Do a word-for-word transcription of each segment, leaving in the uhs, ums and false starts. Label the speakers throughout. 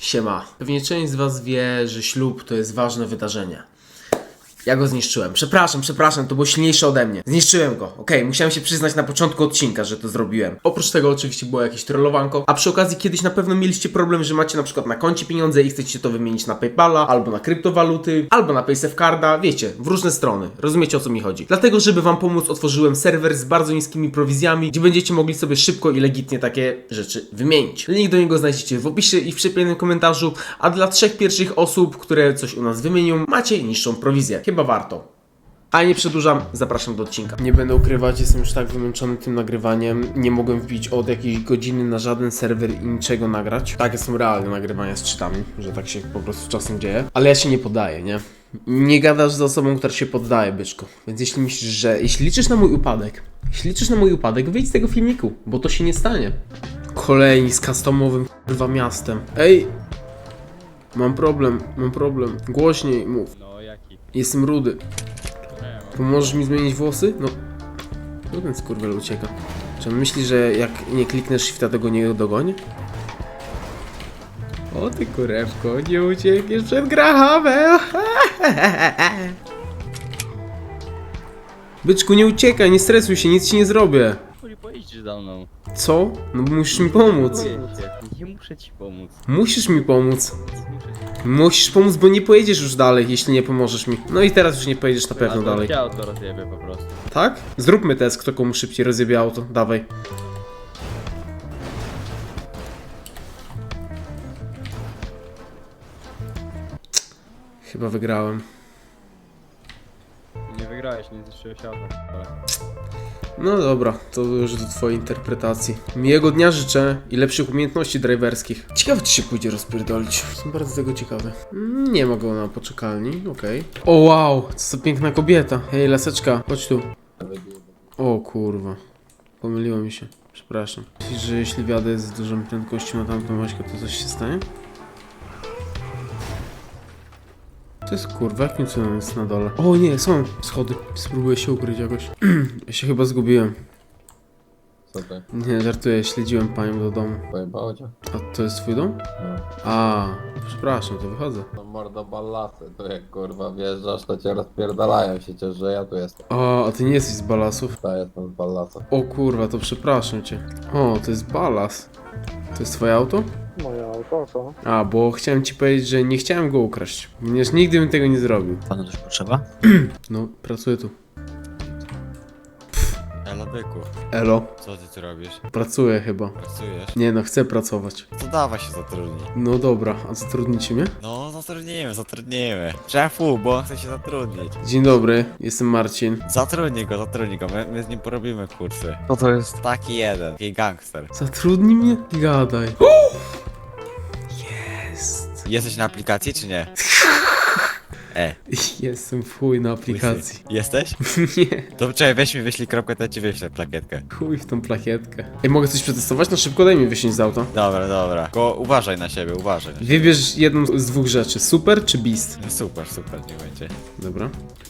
Speaker 1: Siema. Pewnie część z was wie, że ślub to jest ważne wydarzenie. Ja go zniszczyłem. Przepraszam, przepraszam, to było silniejsze ode mnie. Zniszczyłem go. Okej, okay, musiałem się przyznać na początku odcinka, że to zrobiłem. Oprócz tego oczywiście było jakieś trollowanko, a przy okazji kiedyś na pewno mieliście problem, że macie na przykład na koncie pieniądze i chcecie to wymienić na PayPala, albo na kryptowaluty, albo na PaySafeCarda, wiecie, w różne strony. Rozumiecie, o co mi chodzi. Dlatego, żeby wam pomóc, otworzyłem serwer z bardzo niskimi prowizjami, gdzie będziecie mogli sobie szybko i legitnie takie rzeczy wymienić. Link do niego znajdziecie w opisie i w przypiętym komentarzu, a dla trzech pierwszych osób, które coś u nas wymienią, macie niższą prowizję. Chyba warto. A nie przedłużam, zapraszam do odcinka. Nie będę ukrywać, jestem już tak wymęczony tym nagrywaniem. Nie mogłem wbić od jakiejś godziny na żaden serwer i niczego nagrać. Takie są realne nagrywania z cheatami, że tak się po prostu czasem dzieje. Ale ja się nie poddaję, nie? Nie gadasz z osobą, która się poddaje, byczku. Więc jeśli myślisz, że... Jeśli liczysz na mój upadek, jeśli liczysz na mój upadek, wyjdź z tego filmiku, bo to się nie stanie. Kolejni z customowym kurwa miastem. Ej! Mam problem, mam problem. Głośniej mów.
Speaker 2: No jaki?
Speaker 1: Jestem rudy. Pomożesz mi zmienić włosy? No. No ten skurwiel ucieka. Czy on myśli, że jak nie kliknesz shifta, to go nie dogonię? O ty kurewko, nie uciekniesz przed Grahamem! Byczku, nie uciekaj, nie stresuj się, nic ci nie zrobię.
Speaker 2: Chuj, pojedziesz za mną.
Speaker 1: Co? No bo musisz mi pomóc.
Speaker 2: Nie muszę ci pomóc.
Speaker 1: Musisz mi pomóc.
Speaker 2: Muszę ci
Speaker 1: Musisz pomóc, bo nie pojedziesz już dalej, jeśli nie pomożesz mi. No i teraz już nie pojedziesz na pewno dalej.
Speaker 2: Ja to rozjebie po prostu.
Speaker 1: Tak? Zróbmy test, kto komu szybciej rozjebie auto. Dawaj. Chyba wygrałem.
Speaker 2: Nie wygrałeś, nie zniszczyłeś auta.
Speaker 1: No dobra, to już do twojej interpretacji. Miłego dnia życzę i lepszych umiejętności driverskich. Ciekawe, czy się pójdzie rozpierdolić. Jestem bardzo tego ciekawy. Mm, Nie ma go na poczekalni, okej. O wow, co za piękna kobieta. Hej, laseczka, chodź tu. O kurwa, pomyliło mi się. Przepraszam. Myślisz, że jeśli wjadę z dużą prędkością na tamtą Maćkę, to coś się stanie? To jest kurwa, jakim cudem jest na dole? O nie, są schody. Spróbuję się ukryć jakoś. Ja się chyba zgubiłem.
Speaker 3: Co ty?
Speaker 1: Nie, żartuję, śledziłem panią do domu.
Speaker 3: Pojebało cię?
Speaker 1: A to jest twój dom?
Speaker 3: No.
Speaker 1: A, przepraszam, to wychodzę.
Speaker 3: No mordo ballasy, to jak kurwa wjeżdżasz, to cię rozpierdalają się, ciesz, że ja tu jestem.
Speaker 1: O, a ty nie jesteś z balasów?
Speaker 3: Ja jestem z ballasa.
Speaker 1: O kurwa, to przepraszam cię. O, to jest balas. To jest twoje auto?
Speaker 4: Moje auto, co?
Speaker 1: A, bo chciałem ci powiedzieć, że nie chciałem go ukraść. Ponieważ nigdy bym tego nie zrobił.
Speaker 5: Panu coś potrzeba?
Speaker 1: No, pracuję tu.
Speaker 5: Eladyku,
Speaker 1: Elo,
Speaker 5: co ty tu robisz?
Speaker 1: pracuję chyba.
Speaker 5: Pracujesz?
Speaker 1: Nie no, chcę pracować.
Speaker 5: To dawaj się zatrudnij.
Speaker 1: No dobra, a zatrudnicie mnie?
Speaker 5: No, zatrudnijmy, zatrudnijmy. Szefu, bo on chce się zatrudnić.
Speaker 1: Dzień dobry, jestem Marcin.
Speaker 5: Zatrudnij go, zatrudnij go, my, my z nim porobimy kursy. Co to jest? Taki jeden, taki gangster.
Speaker 1: Zatrudnij mnie? Gadaj. Jest.
Speaker 5: Jesteś na aplikacji czy nie? E,
Speaker 1: Jestem w chuj na aplikacji.
Speaker 5: łysy. Jesteś?
Speaker 1: Nie,
Speaker 5: To czekaj, weź mi wyślij kropkę, to ja ci wyślę plakietkę.
Speaker 1: chuj w tą plakietkę. Ej, mogę coś przetestować? No szybko daj mi wysiąść z auta.
Speaker 5: Dobra, dobra. Tylko uważaj na siebie, uważaj.
Speaker 1: Wybierz jedną z dwóch rzeczy, super czy beast?
Speaker 5: Super, super, nie będzie.
Speaker 1: Dobra.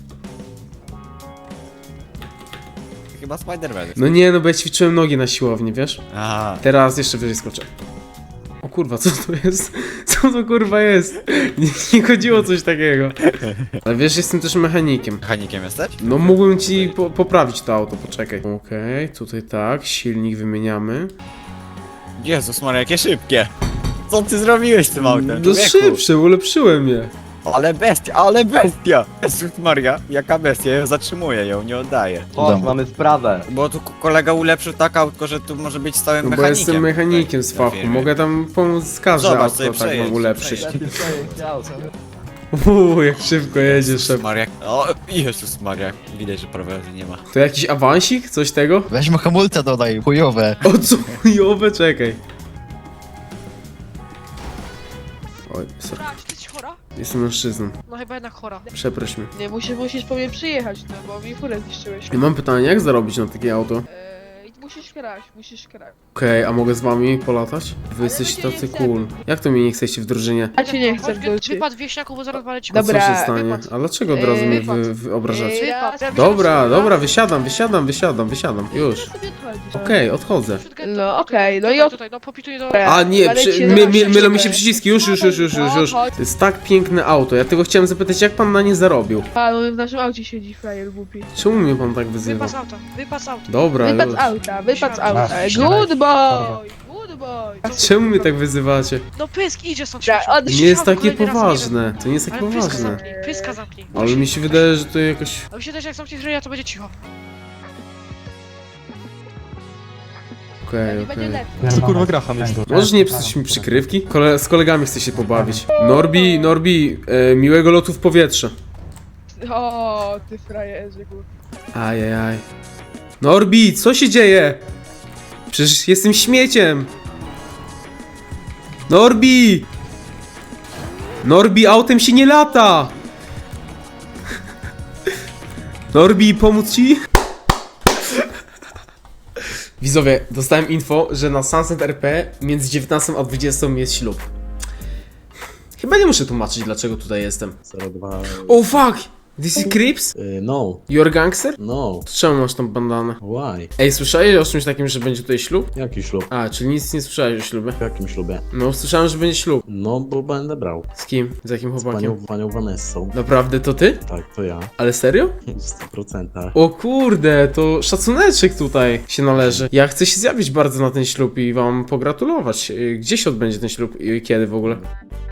Speaker 5: Chyba Spider-Man jest.
Speaker 1: No nie, no bo ja ćwiczyłem nogi na siłowni, wiesz?
Speaker 5: Aha.
Speaker 1: Teraz jeszcze wyżej skoczę. O kurwa, co to jest? Co to kurwa jest? Nie, nie chodziło o coś takiego. Ale wiesz, jestem też mechanikiem.
Speaker 5: Mechanikiem jesteś?
Speaker 1: No mógłbym ci po poprawić to auto, poczekaj. Okej, okay, tutaj tak, silnik wymieniamy.
Speaker 5: Jezus Maria, jakie szybkie! Co ty zrobiłeś z tym autem,
Speaker 1: No
Speaker 5: człowieku?
Speaker 1: szybsze, ulepszyłem je.
Speaker 5: Ale bestia, ale bestia! Jezus Maria, jaka bestia, ja zatrzymuję ją, nie oddaję.
Speaker 4: Chodź, mamy sprawę.
Speaker 5: Bo tu k- kolega ulepszył tak autko, że tu może być stałym
Speaker 1: No bo
Speaker 5: mechanikiem.
Speaker 1: jestem mechanikiem
Speaker 5: tutaj
Speaker 1: z
Speaker 5: na
Speaker 1: fachu,
Speaker 5: firmie.
Speaker 1: mogę tam pomóc z każde
Speaker 5: Zobacz,
Speaker 1: auto,
Speaker 5: sobie
Speaker 1: tak
Speaker 5: przejedź,
Speaker 1: mam ulepszyć.
Speaker 5: przejedź.
Speaker 1: Uuu, jak szybko jedzie
Speaker 5: Jezus
Speaker 1: szef.
Speaker 5: Maria, o Jezus Maria, widać, że prowadzę nie ma.
Speaker 1: To jakiś awansik? Coś tego?
Speaker 6: Weźmy hamulce dodaj, chujowe.
Speaker 1: O co chujowe, czekaj. Oj, sorry.
Speaker 7: Chora, czy ty jesteś chora?
Speaker 1: Jestem mężczyzną.
Speaker 7: No chyba jednak chora.
Speaker 1: Przeproś mnie.
Speaker 7: Nie, musisz, musisz po mnie przyjechać, no bo mi furę zniszczyłeś.
Speaker 1: I mam pytanie, jak zarobić na takie auto?
Speaker 7: Eee, musisz kraść, musisz kraść.
Speaker 1: Okej, a mogę z wami polatać? Wy jesteście
Speaker 7: będzie
Speaker 1: tacy
Speaker 7: nie
Speaker 1: cool. Jak to mnie nie chcecie w drużynie?
Speaker 7: A cię nie chcę wrócić.
Speaker 8: Wypad wieśniaków, bo zaraz walę ci.
Speaker 1: A co
Speaker 7: Dobra,
Speaker 1: się stanie?
Speaker 8: wypad.
Speaker 1: A dlaczego od razu
Speaker 7: Yy,
Speaker 1: mnie
Speaker 8: wypad.
Speaker 1: wy, wy obrażacie?
Speaker 7: Yy,
Speaker 8: Wypad, ja
Speaker 1: Dobra,
Speaker 8: myślałem,
Speaker 1: dobra,
Speaker 8: że-
Speaker 1: wysiadam, wysiadam, wysiadam, wysiadam. Już.
Speaker 7: sobie odchodzisz.
Speaker 1: Okej, odchodzę.
Speaker 7: No, okej, no i
Speaker 8: Tutaj,
Speaker 7: od-
Speaker 8: tutaj, no popituj do...
Speaker 7: Dobra.
Speaker 1: A nie,
Speaker 7: Ale
Speaker 1: przy,
Speaker 7: cię
Speaker 1: my, my,
Speaker 7: zobaczycie.
Speaker 1: mylą mi się przyciski, już, już, już, już, już, już. To jest tak piękne auto, ja tego chciałem zapytać, jak pan na nie zarobił?
Speaker 7: A, no w naszym aucie siedzi frajer głupi.
Speaker 1: Czemu mnie pan tak wyzywa?
Speaker 8: Wypad z auta, wypad z auta.
Speaker 1: Dobra,
Speaker 7: Wypad
Speaker 1: już.
Speaker 7: z auta, wypad z auta.
Speaker 6: Masz,
Speaker 7: Good boy, good boy.
Speaker 1: Czemu mnie tak wyzywacie?
Speaker 8: No pysk, idzie stąd
Speaker 7: Dobra,
Speaker 8: śmieciu.
Speaker 7: od-
Speaker 1: Nie jest takie
Speaker 8: Kolejny raz nie
Speaker 1: poważne, to nie jest tak
Speaker 8: Ale pyska
Speaker 1: poważne.
Speaker 8: zamknij, pyska zamknij.
Speaker 1: Ale mi się wydaje, że to jakoś...
Speaker 8: A mi się też jak zamkniesz ryja, to będzie cicho.
Speaker 1: Okej,
Speaker 7: Nie będzie
Speaker 1: okej.
Speaker 7: lepiej.
Speaker 6: Co kurwa gracham jest?
Speaker 1: Możesz nie psuć mi przykrywki? Kole z kolegami chcę się pobawić. Norbi, Norbi, e, miłego lotu w powietrze.
Speaker 7: O, ty frajerze, głupi.
Speaker 1: Ajajaj. Norbi, co się dzieje? Przecież jestem śmieciem. Norbi! Norbi, autem się nie lata! Norbi, pomóc ci? Widzowie, dostałem info, że na Sunset R P między dziewiętnastą a dwudziestą jest ślub. Chyba nie muszę tłumaczyć, dlaczego tutaj jestem.
Speaker 9: zero dwa.
Speaker 1: Oh fuck! This is Crips?
Speaker 9: Y, no,
Speaker 1: You're gangster?
Speaker 9: no,
Speaker 1: To czemu masz tą bandanę?
Speaker 9: why?
Speaker 1: Ej, słyszałeś o czymś takim, że będzie tutaj ślub?
Speaker 9: Jaki ślub?
Speaker 1: A, czyli nic nie słyszałeś o ślubie?
Speaker 9: W jakim ślubie?
Speaker 1: No, słyszałem, że będzie ślub.
Speaker 9: No, bo będę brał.
Speaker 1: Z kim? Z jakim
Speaker 9: Z panią,
Speaker 1: chłopakiem?
Speaker 9: panią Vanessą.
Speaker 1: Naprawdę to ty?
Speaker 9: Tak, to ja.
Speaker 1: Ale serio?
Speaker 9: W stu procentach.
Speaker 1: O kurde, to szacuneczek tutaj się należy. Ja chcę się zjawić bardzo na ten ślub i wam pogratulować. Y, Gdzie się odbędzie ten ślub i kiedy w ogóle?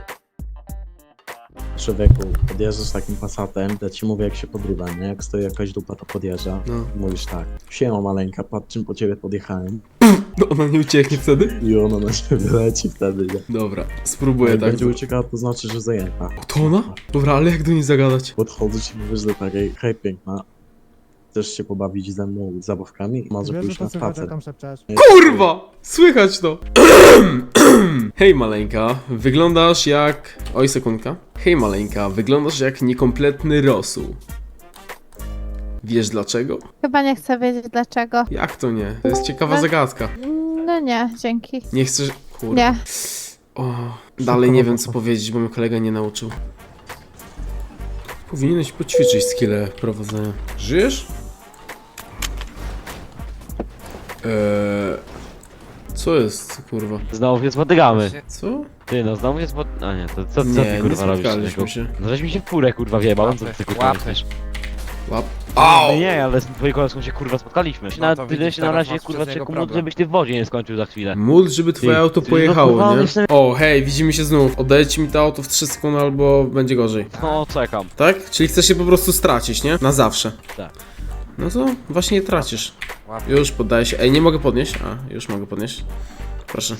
Speaker 9: Człowieku, podjeżdżasz takim Passatem, ja ci mówię jak się podrywa, nie? Jak stoi jakaś dupa, to podjeżdża.
Speaker 1: No.
Speaker 9: Mówisz tak, siema maleńka, patrz czym po ciebie podjechałem.
Speaker 1: No ona nie ucieknie wtedy?
Speaker 9: I ona na ciebie leci wtedy, nie?
Speaker 1: Dobra, spróbuję
Speaker 9: Jak
Speaker 1: tak.
Speaker 9: będzie uciekała, to znaczy, że zajęta.
Speaker 1: To ona? Dobra, ale jak do niej zagadać?
Speaker 9: Podchodzę ci mówisz do takiej, hej piękna, chcesz się pobawić ze mną zabawkami? Może pójść na spacer.
Speaker 1: Kurwa! Słychać to! Hej maleńka, wyglądasz jak... Oj, sekundka. Hej maleńka, wyglądasz jak niekompletny rosół. Wiesz dlaczego?
Speaker 10: Chyba nie chcę wiedzieć dlaczego.
Speaker 1: Jak to nie? To jest ciekawa
Speaker 10: No.
Speaker 1: zagadka.
Speaker 10: No nie, dzięki.
Speaker 1: Nie chcesz... Kurwa.
Speaker 10: Nie.
Speaker 1: O, dalej nie wiem co powiedzieć, bo mnie kolega nie nauczył. Powinieneś poćwiczyć skille prowadzenia. Żyjesz? Eee... Co jest, kurwa?
Speaker 2: Znowu się spotykamy.
Speaker 1: Co?
Speaker 2: Ty no, znowu się spot... A nie, to co, co
Speaker 1: Nie,
Speaker 2: ty
Speaker 1: nie
Speaker 2: kurwa robisz?
Speaker 1: spotkaliśmy
Speaker 2: człowieku?
Speaker 1: się.
Speaker 2: No żeś mi się w furę kurwa wjebał, co ty kurwa myślisz?
Speaker 1: Łap.
Speaker 2: No nie, ale z twoim kolegą się kurwa spotkaliśmy.
Speaker 11: No
Speaker 2: Na,
Speaker 11: to
Speaker 2: ty
Speaker 11: widzisz,
Speaker 2: się na
Speaker 11: teraz
Speaker 2: razie
Speaker 11: masz
Speaker 2: kurwa
Speaker 11: przez niego
Speaker 2: czekuł,
Speaker 11: problem.
Speaker 2: żebyś ty w wodzie nie skończył za chwilę.
Speaker 1: Módl, żeby twoje
Speaker 2: Ty,
Speaker 1: auto
Speaker 2: ty, no
Speaker 1: pojechało,
Speaker 2: kurwa,
Speaker 1: nie?
Speaker 2: jestem-
Speaker 1: O, hej, widzimy się znów. Oddajecie mi to auto w trzy sekundy albo będzie gorzej.
Speaker 2: No czekam.
Speaker 1: Tak? Czyli chcesz się po prostu stracić, nie? Na zawsze.
Speaker 2: Tak.
Speaker 1: No to właśnie je tracisz.
Speaker 11: Ładnie.
Speaker 1: Już poddaję się. Ej, nie mogę podnieść. A, już mogę podnieść. Proszę.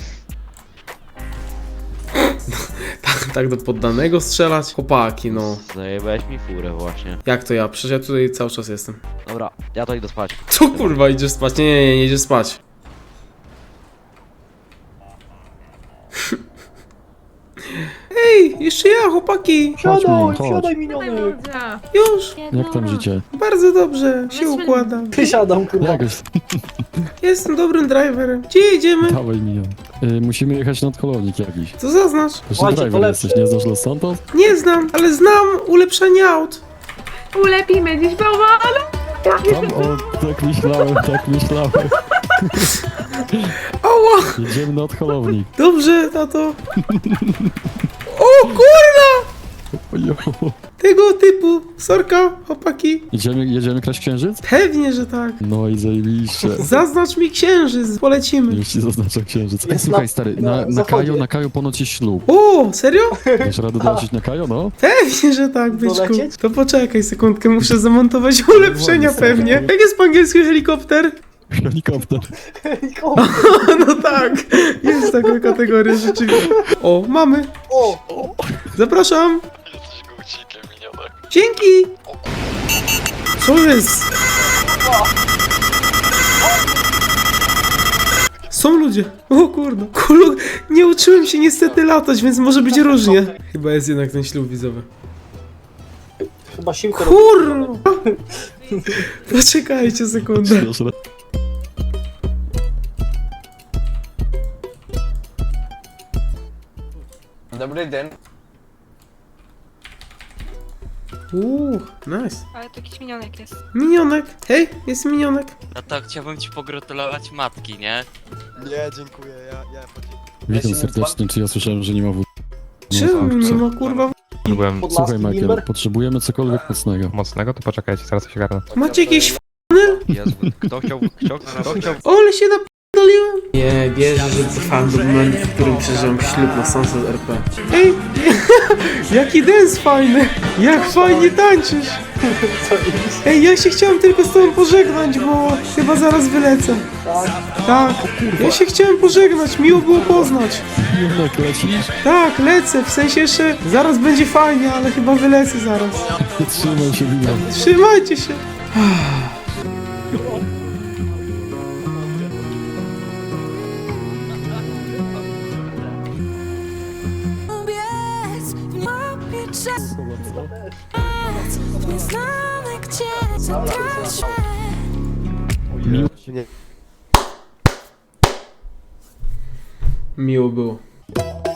Speaker 1: tak, tak do poddanego strzelać? Chłopaki, no.
Speaker 2: Zajebałeś mi furę właśnie.
Speaker 1: Jak to ja? Przecież ja tutaj cały czas jestem.
Speaker 2: Dobra, ja to idę spać.
Speaker 1: Co kurwa, idziesz spać? Nie, nie, nie, nie idziesz spać. Ej, jeszcze ja, chłopaki.
Speaker 6: Siadaj, siadaj
Speaker 7: Miniony.
Speaker 1: Już.
Speaker 6: Jak tam życie?
Speaker 1: Bardzo dobrze się układa.
Speaker 4: Wysiadam, kurwa.
Speaker 6: Jakoś,
Speaker 1: Jestem dobrym driverem. Gdzie jedziemy?
Speaker 6: dawaj minion. Y, musimy jechać nad kolownik jakiś.
Speaker 1: Co zaznacz?
Speaker 6: Jeszcze
Speaker 4: Ładnie,
Speaker 6: driver
Speaker 4: to
Speaker 6: jesteś, nie znasz Los Santos?
Speaker 1: Nie znam, ale znam ulepszenie aut.
Speaker 7: Ulepimy dziś bałwana.
Speaker 6: Tam, o, tak myślałem, tak myślałem.
Speaker 1: Ała,
Speaker 6: Jedziemy nad kolownik.
Speaker 1: dobrze, tato. O kurna!
Speaker 6: Ojo.
Speaker 1: Tego typu. Sorka, chłopaki.
Speaker 6: Jedziemy, jedziemy kraść księżyc?
Speaker 1: Pewnie, że tak.
Speaker 6: No i zajebiście.
Speaker 1: Zaznacz mi księżyc, polecimy.
Speaker 6: Już ci zaznaczam księżyc. Ej,
Speaker 4: Jest
Speaker 6: słuchaj
Speaker 4: na-
Speaker 6: stary,
Speaker 4: na
Speaker 6: na, na
Speaker 4: zachodzie.
Speaker 6: Kajo, na Kajo ponoć jest ślub.
Speaker 1: O, serio?
Speaker 6: Dasz radę dolecieć na Kajo, no?
Speaker 1: Pewnie, że tak, byczku.
Speaker 4: Dolecieć?
Speaker 1: To poczekaj sekundkę, muszę zamontować ulepszenia pewnie. Jak jest po angielsku helikopter?
Speaker 6: Helikopter.
Speaker 1: No tak, jest taka kategoria rzeczywiście. O, mamy.
Speaker 4: O!
Speaker 1: Zapraszam. Dzięki. Co jest? Są ludzie. O kurde. Kulu, nie uczyłem się niestety latać, więc może być różnie. Chyba jest jednak ten ślub widzowy.
Speaker 4: Chyba siłkę
Speaker 1: Kurwa. Poczekajcie sekundę.
Speaker 6: Dasz radę.
Speaker 4: Dobry dzień.
Speaker 1: Uuu, nice.
Speaker 8: Ale to jakiś minionek jest.
Speaker 1: Minionek, hej, jest minionek.
Speaker 11: No to chciałbym ci pogratulować matki, nie?
Speaker 5: Nie, dziękuję, ja, ja
Speaker 6: Witam serdecznie, czy ja słyszałem, że nie ma wód.
Speaker 1: Czemu nie ma kurwa?
Speaker 6: Słuchaj,
Speaker 4: Podlaski,
Speaker 6: Michael,
Speaker 4: Limber?
Speaker 6: potrzebujemy cokolwiek mocnego.
Speaker 12: Mocnego? To poczekajcie, zaraz się garnę.
Speaker 1: Macie jakieś f***?
Speaker 2: Jezu, kto chciał, kto, kto chciał...
Speaker 1: Ole się napierdoliłem! Nie wierzę, że trwałem do momentu, w którym przeżyłem ślub na Sunset R P. Ej, jaki dance fajny! Jak fajnie tańczysz! Ej, ja się chciałem tylko z tobą pożegnać, bo chyba zaraz wylecę. Tak, ja się chciałem pożegnać, miło było poznać.
Speaker 6: Jednak lecisz?
Speaker 1: Tak, lecę, w sensie jeszcze zaraz będzie fajnie, ale chyba wylecę zaraz.
Speaker 6: Trzymaj się, Wina.
Speaker 1: Trzymajcie się! Miło było.